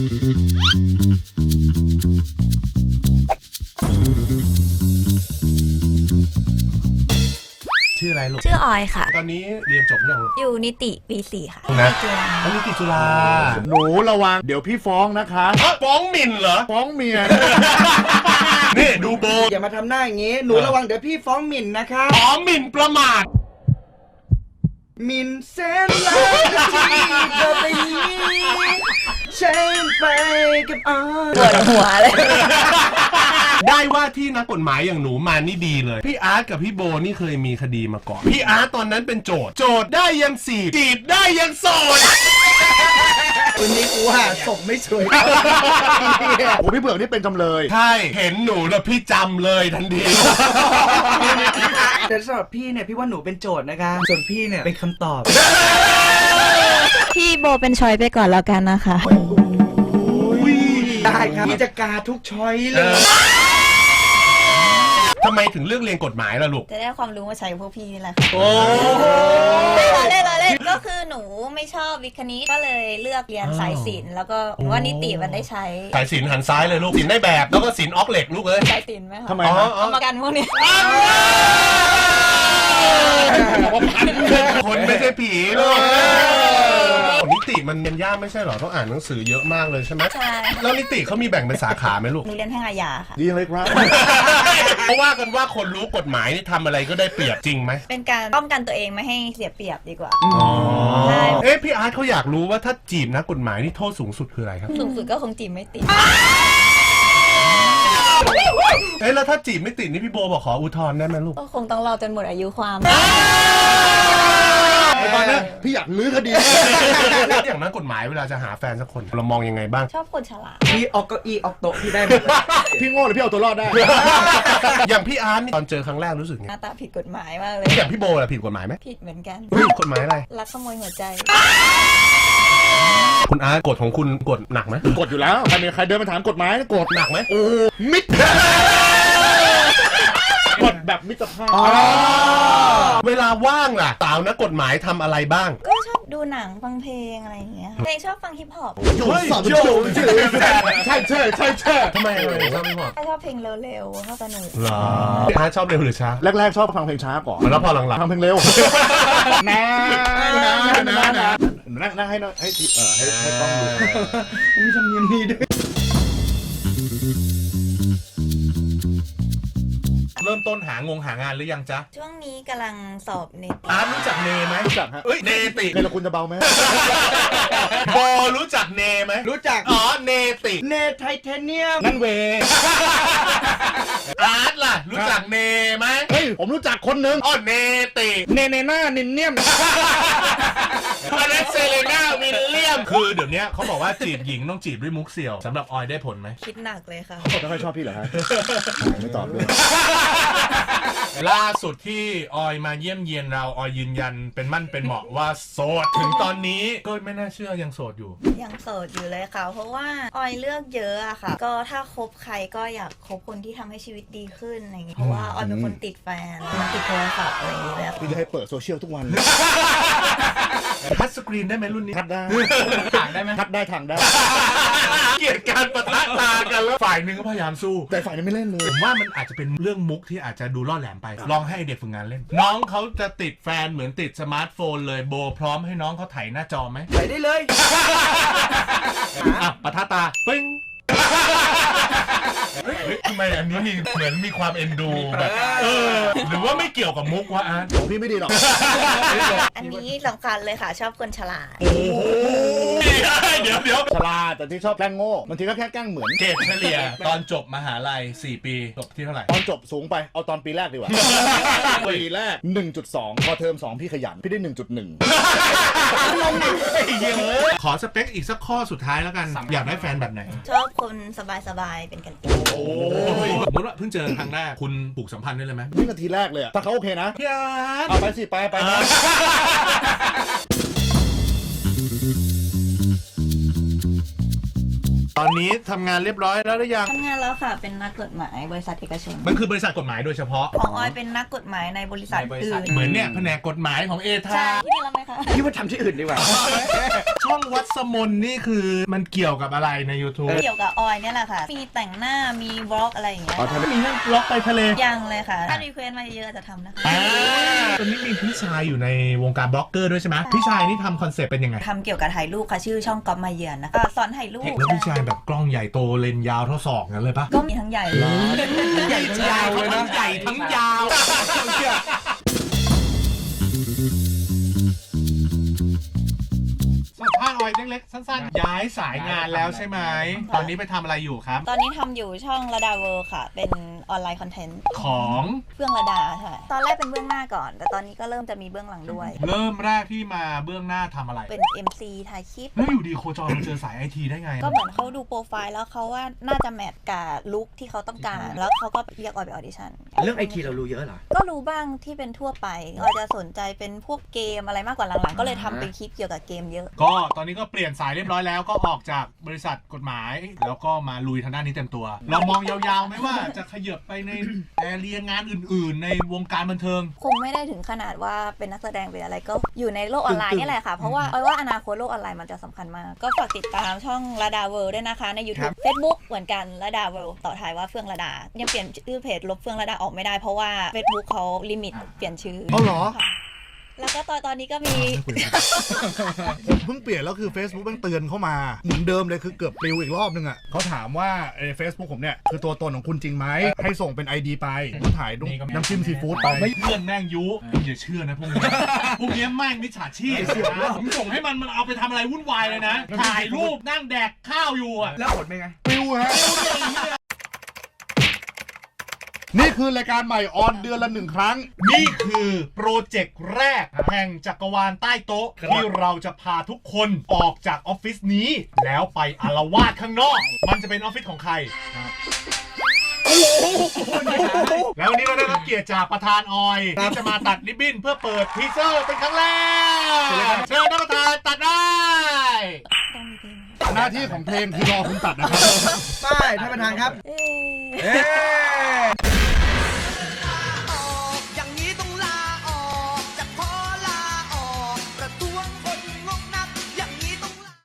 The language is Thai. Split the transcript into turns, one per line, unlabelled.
ชื่ออะไรลูก
ชื่อออยค่ะ
ตอนนี้เรียนจบยัง
อยู่นิติปี 4 ค่ะ
นะ
จุฬา
นิติจุฬา
หนูระวังเดี๋ยวพี่ฟ้องนะคะ
ฟ้องหมิ่นเหรอ
ฟ้องเมีย
นี่ดูโบ
อย่ามาทำหน้าอย่างงี้หนูระวังเดี๋ยวพี่ฟ้องหมิ่นนะคะ
ฟ้องหมิ่นประมาท
หมิ่นเส้นลายที่เธอไปใช้ไปกับ
ปวดหัวเลย
ได้ว่าที่นักกฎหมายอย่างหนูมานี่ดีเลยพี่อาร์ตกับพี่โบนี่เคยมีคดีมาก่อนพี่อาร์ตตอนนั้นเป็นโจทย์ได้ยังจีบได้ยังโสด
วันนี้กูว่าศพไม่สวย
โอ้พี่เผือกนี่เป็นจำเลย
ใช่เห็นหนูแล้วพี่จำเลยทันที
แต่สำหรับพี่เนี่ยพี่ว่าหนูเป็นโจทย์นะคะส่วนพี่เนี่ยเป็นคำตอบ
พี่โบเป็นชอยไปก่อนแล้วกันนะคะ
ได้ครับพี่จะกาทุกช้อยเลย
ทำไมถึงเลือกเรียนกฎหมายล่ะลูก
จะได้ความรู้มาใช้พวกพี่นี่แหละค่ะ
โอ้
เล่นก็คือหนูไม่ชอบวิทย์คณิตก็เลยเลือกเรียนสายศิลป์แล้วก็ว่านิติมันได้ใช้
สายศิลป์หันซ้ายเลยลูกศิลป์ได้แบบแล้วก็ศิลป์ออกเหล็กลูกเลย
สายศิลป์ไหมคะ
ทำไม
เอามากันพวกนี้
คนไม่ใช่ผีลูกนิติมันเรียนยากไม่ใช่หรอต้องอ่านหนังสือเยอะมากเลยใช่ไหม
ใช่
แล้วนิติเขามีแบ่งเป็นสาขาไหมลูก
หนูเรียนแพ่งอาญาค่ะ
ดีเลยครับ
เพราะว่ากันว่าคนรู้กฎหมายนี่ทำอะไรก็ได้เปรียบจริงไหม
เป็นการป้องกันตัวเองไม่ให้เสียเปรียบดีกว่า
ใช่พี่อาร์ตเขาอยากรู้ว่าถ้าจีบนักกฎหมายนี่โทษสูงสุดคืออะไรครับ
สูงสุดก็คงจีบไม่ติด
แล้วถ้าจีบไม่ติดนี่พี่โบบอกขออุทธรณ์ได้ไหมลูก
ก็คงต้องรอจนหมดอายุความ
ตอนนี้พี่อยากลื้อคดี
อย่างนักกฎหมายเวลาจะหาแฟนสักคนเรามองยังไงบ้าง
ชอบคนฉลาด
พี่ออกเก้าอี้ออกโต๊ะพี่ได้หมด
พี่โง่หรือพี่เอาตัวรอดได้
อย่างพี่อาร์ตตอนเจอครั้งแรกรู้สึกไง
หน้าตาผิดกฎหมายมากเลย
อย่างพี่โบล่ะผิดกฎหมายไหม
ผิดเหมือนกัน
กฎหมายอะไร
ลักขโมยหัวใจ
คุณอาร์ตกฎของคุณกฎหนักไหม
กฎอยู่แล้วใครเดินมาถามกฎหมายกฎ
หนักไหม
โอ้มิดกฎแบบมิตรภาพ
เวลาว่างล่ะสาวนักกฎหมายทำอะไรบ้าง
ก็ชอบดูหนังฟังเพลงอะไรอย่างเงี้ยเพลงชอบฟังฮิปฮอป
ใช่
ทำไมชอบฮิปฮอป
ชอบเพลงเร็วๆชอบสนุก
หรออาร์ตชอบเร็วหรือช้า
แรกๆชอบฟังเพลงช้าก่อน
แล้วพอหลัง
ๆฟังเพลงเร็วนั่งให้ต้องดู
มีธรรมเนียมนี้ด้วย
เริ่มต้นหางานหรือยังจ๊ะ
ช่วงนี้กำลังสอบเนติ
อาร์ตรู้จักเนไหม
รู้จักฮะ
เนติ
เนรคุณจะเบาไหม
โบรู้จักเนไหม
รู้จัก
เนติ
เนไทเทเนียม
นั่นเว
อาร์ตล่ะรู้จักเนไหม
เฮ้ยผมรู้จักคนหนึ่ง
เนติ
เนหน้านินเนียม
อันนั้นเซเลน่าวิลเลียมคือเดี๋ยวนี้เขาบอกว่าจีบหญิงต้องจีบด้วยมุกเสี่ยวสำหรับออยได้ผลไหม
คิดหนักเลยค่ะ
ไม่ค่อยชอบพี่เหรอฮะไม่ตอบด้วย
ล่าสุดที่ออยมาเยี่ยมเยียนเราออยยืนยันเป็นมั่นเป็นเหมาะว่าโสดถึงตอนนี้ก็ไม่น่าเชื่อยังโสดอยู่
ยังโสดอยู่เลยค่ะเพราะว่าออยเลือกเยอะอะค่ะก็ถ้าคบใครก็อยากคบคนที่ทำให้ชีวิตดีขึ้นอะไรอย่างงี้เพราะว่าออยเป็นคนติดแฟนติดโทรศัพท์อะไรอย่างเงี้ย
พี่จะให้เปิดโซเชียลทุกวัน
ทัชสกรีนได้ไหมรุ่นนี้
ทัดได้
ถ่างได้ไหม
ทัดได้ถ่างได้
เกลียดการปะทะตากันแล้วฝ่ายหนึ่งก็พยายามสู้
แต่ฝ่ายนึงไม่เล่นเลย
ผมว่ามันอาจจะเป็นเรื่องมุกที่อาจจะดูล่อแหลมไปลองให้เด็กฝึกงานเล่นน้องเขาจะติดแฟนเหมือนติดสมาร์ทโฟนเลยโบพร้อมให้น้องเขาถ่ายหน้าจอไหม
ถ่ายได้เลย
ปะทะตาปิ้งทำไมอันนี้เหมือนมีความเอ็นดูแบบหรือว่าไม่เกี่ยวกับมุกวะอาร์ต
ของพี่ไม่ดีหรอก
อันนี้สำคัญเลยค่ะชอบคนฉลาด
เดี๋ยว
ฉลาดแต่ที่ชอบแกล้งโง่บางทีก็แค่แกล้งเหมือน
เกรดเฉลี่ยตอนจบมหาลัย4 ปีจบที่เท่าไหร่
ตอนจบสูงไปเอาตอนปีแรกดีกว่าปีแรก 1.2 พอเทอม2พี่ขยันพี่ได้ 1.1
ขอสเปคอีกสักข้อสุดท้ายแล้วกันอยากได้แฟนแบบไหน
ชอบคนสบายๆเป็นกันเอง
โอ้ยสมมติว่าเพิ่งเจอครั้งแรกคุณปลูกสัมพันธ์ได้เลยไหม
นี่นาทีแรกเลยถ้าเขาโอเคนะ
พี่อาร์ต
เอาไปสิไป
ตอนนี้ทำงานเรียบร้อยแล้วหรือยัง
ทำงานแล้วค่ะเป็นนักกฎหมายบริษัทเอกชน
มันคือบริษัทกฎหมายโดยเฉพาะ
ของออยเป็นนักกฎหมายในบริษัทอื่น
เหมือนเนี่ยแผนกกฎหมายของเอทา
ใช่ที่นี่รับไหมคะ
พี่ว่าทำที่อื่นดีกว่า
ช่องวัดสมนนี่คือมันเกี่ยวกับอะไรใน YouTube
เกี่ยวกับออยเนี่ยแหละค่ะมีแต่งหน้ามีบล็อกอะไรอย่างเงี้ย
อ๋อทำ
มีเรื่องล็อกไปทะเล
ยังเลยค่ะถ้ารีเควสมาเยอะจะทำนะคะ
ตอนนี้มีพี่ชายอยู่ในวงการบล็อกเกอร์ด้วยใช่ไหมพี่ชายนี่ทำคอนเซ็ปต์เป็นยังไง
ทำเกี่ยวกับถ่ายรูปค่ะชื่อช่องก๊อฟมาเยือนนะคะสอนถ่ายรูป
แล้วพี่ชายแบบกล้องใหญ่โตเลนส์ยาวเท่าศอกงั้นเลยปะ
ก็มีทั้งใหญ่
ใหญ่ทั้งยาวเลยนะ
ทั้งใหญ่ทั้งยาวสัมภาษณ์ออยเล็กๆสั้นๆ ย้ายสายงานแล้วใช่ไหม ตอนนี้ไปทำอะไรอยู่ครับ
ตอนนี้ทำอยู่ช่องระดาเวิร์ค่ะ เป็นออนไลน์คอนเทนต์
ของ
เบื้องระดาใช่ตอนแรกเป็นเบื้องหน้าก่อน แต่ตอนนี้ก็เริ่มจะมีเบื้องหลังด้วย
เริ่มแรกที่มาเบื้องหน้าทำอะไร
เป็น MC ถ่ายคลิป
แล้วอยู่ดีโคจรมาเจอสายไอทีได้ไง
ก็เหมือนเขาดูโปรไฟล์แล้วเขาว่าน่าจะแมทกับลุคที่เขาต้องการ แล้วเขาก็เรียกออยไปออดิชั่น
เรื่องไอทีเรารู้เยอะเหรอ
ก็รู้บ้างที่เป็นทั่วไปออยจะสนใจเป็นพวกเกมอะไรมากกว่าหลังๆ ก็เลยทำเป็นคลิปเกี่ยวกับเกมเยอะ
ก็ตอนนี้ก็เปลี่ยนสายเรียบร้อยแล้วก็ออกจากบริษัทกฎหมาย แล้วก็มาลุยทางด้านนี้เต็มตัว เรามองยาวๆไหมว่าจะขยับไปในแอเรียงานอื่นๆ ในวงการบันเทิง
คงไม่ได้ถึงขนาดว่าเป็นนักแสดงเป็นอะไรก็อยู่ในโลกออนไลน์นี่แหละค่ะ เพราะว่าออยว่าอนาคตโลกออนไลน์มันจะสำคัญมาก ก็ฝากติดตามช่องระดาเวิลด์ด้วยนะคะใน YouTube Facebook เหมือนกันระดาเวิลด์ต่อท้ายว่าเฟื่องระดายังเปลี่ยนชื่อเพจลบเฟื่องระดาออกไม่ได้เพราะว่า Facebook เขาลิมิตเปลี่ยนชื่อ
อ๋อเหรอ
ค่ะแล้วก็ตอนนี้ก็มี
ผมเพิ่งเปลี่ยนแล้วคือ Facebook มันเตือนเข้ามาเหมือนเดิมเลยคือเกือบปลิวอีกรอบนึงอ่ะเขาถามว่าเฟซบุ๊กผมเนี่ยคือตัวตนของคุณจริงไหมให้ส่งเป็น ID ไปผมถ่ายรูปน้ำจิ้มซีฟู้ดไป
เพื่อนแม่งยุอย่าเชื่อนะพวกนี้พวกนี้แม่งมิจฉาชีพผมส่งให้มันเอาไปทำอะไรวุ่นวายเลยนะ ถ่ายรูปนั่งแดกข้าวอยู่อ่ะ
แล้วผลเป็นไง
ปลิวฮะนี่คือรายการใหม่ออนเดือนละ1 ครั้ง
นี่คือโปรเจกต์แรกแห่งจักรวาลใต้โต๊ะที่เราจะพาทุกคนออกจากออฟฟิศนี้ แล้วไปอาละวาดข้างนอก มันจะเป็นออฟฟิศของใคร แล้ววันนี้เราได้รับเกียรติจากประธานออยที่จะมาตัดริบบิ้นเพื่อเปิดทีเซอร์เป็นครั้งแรกเชิญท่านประธานตัดได้
หน้าที่ของเพลงคือรอคุณตัดนะครับ
ป้ายท่านประธานครับ
เอ๊ะ